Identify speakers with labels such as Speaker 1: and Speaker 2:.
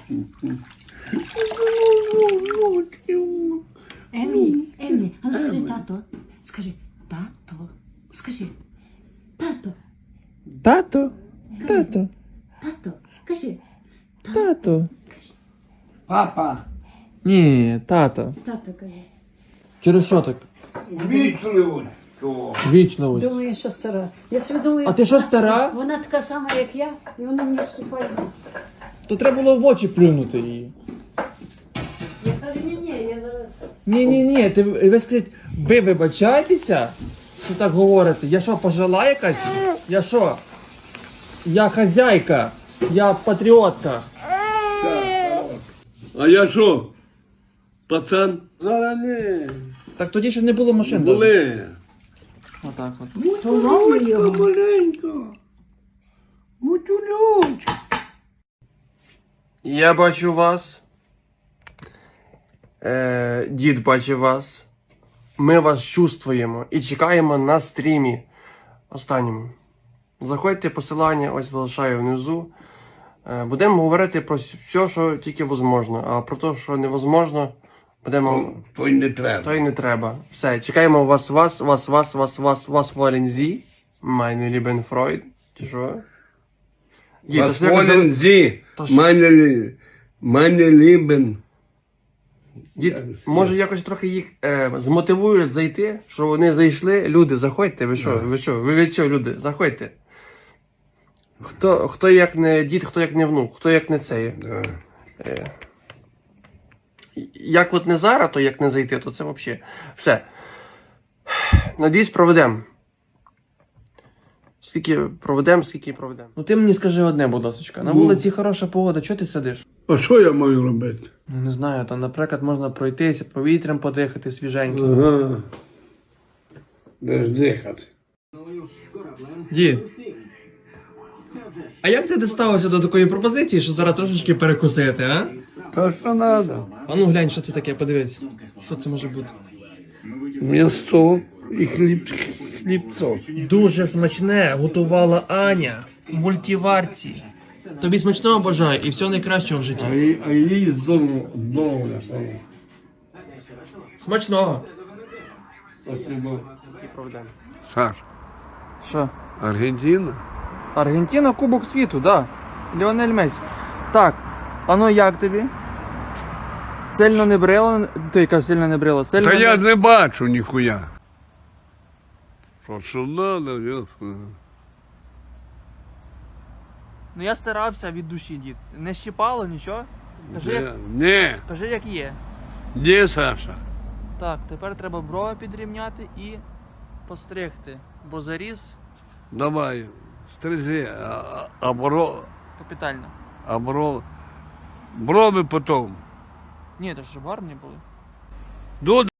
Speaker 1: Емілі, а ну скажи тато. Скажи, тато. Скажи, тато.
Speaker 2: Тато, тато,
Speaker 1: Тато. Кажи,
Speaker 2: тато.
Speaker 3: Папа,
Speaker 2: Ні, тато.
Speaker 1: тато кажи.
Speaker 2: Через що так?
Speaker 3: вічливо.
Speaker 2: Вічливість.
Speaker 1: Думаю, що стара. Я собі думаю,
Speaker 2: А ти що, стара?
Speaker 1: вона така сама, як я, і вона мені вступає в місце.
Speaker 2: То треба було в очі плюнути її.
Speaker 1: Я кажу, ні, я зараз...
Speaker 2: Ні, ви скажіть, ви вибачаєтеся, що так говорите? Я що, пожила якась? Я що? Я хазяйка, я патріотка.
Speaker 4: А я що? Пацан?
Speaker 3: Зараз не.
Speaker 2: Так тоді ще не було машин. даже.
Speaker 4: Були.
Speaker 2: Отак от.
Speaker 3: Маленько. Мутюлючка.
Speaker 2: Я бачу вас. Дід бачить вас. Ми вас чувствуємо і чекаємо на стрімі останньому. Заходьте, посилання ось залишаю внизу. Будемо говорити про все, що тільки можливо. А про те, що невозможно, будемо...
Speaker 4: То й не треба.
Speaker 2: То й не треба. Все, чекаємо вас, Wollen Sie, meine lieben Freund. Чи що? Дід, то
Speaker 4: Was
Speaker 2: ж якось-
Speaker 4: wollen Sie,
Speaker 2: то ж-
Speaker 4: meine Lieben?
Speaker 2: Дід, може якось трохи їх змотивуєш зайти, що вони зайшли. Люди, заходьте, ви що, ви від чого, люди, заходьте. Хто як не дід, хто як не внук, хто як не цей.
Speaker 4: Да.
Speaker 2: Як от не зараз, то як не зайти, то це взагалі. Все. Надіюсь, проведемо. Скільки проведемо. Ну ти мені скажи одне, будь ласка. На вулиці хороша погода, чого ти сидиш?
Speaker 4: А що я маю робити?
Speaker 2: Ну, не знаю, там, наприклад, можна пройтися, повітрям подихати свіженьким.
Speaker 4: Ага. Де ж дихати?
Speaker 2: Дід, а як ти доставився до такої пропозиції, що зараз трошечки перекусити, а?
Speaker 4: То що треба?
Speaker 2: А ну глянь, що це таке, подивись. Що це може бути?
Speaker 4: М'ясо і хлібцо.
Speaker 2: Дуже смачне готувала Аня в мультиварці. Тобі смачного бажаю і всього найкращого в житті.
Speaker 4: А їй здорово.
Speaker 2: Смачного.
Speaker 4: Спасибо.
Speaker 2: Саш. Що?
Speaker 4: Аргентина?
Speaker 2: Аргентина, Кубок світу, да. Ліонель Месі. Так, а ну як тобі? Сильно не брило? Ти кажеш, сильно не брило. Сильно
Speaker 4: Та
Speaker 2: не...
Speaker 4: я ж не бачу ніхуя. Що надо, ясно.
Speaker 2: Ну я старався від душі, дід. Не щипало нічого?
Speaker 4: Не,
Speaker 2: Кажи, як є.
Speaker 4: де Саша?
Speaker 2: Так, тепер треба брови підрівняти і постригти. Бо заріз
Speaker 4: Давай, стрижи,
Speaker 2: капітально.
Speaker 4: брови потом.
Speaker 2: Ні, то ж гарні були.
Speaker 4: Ну,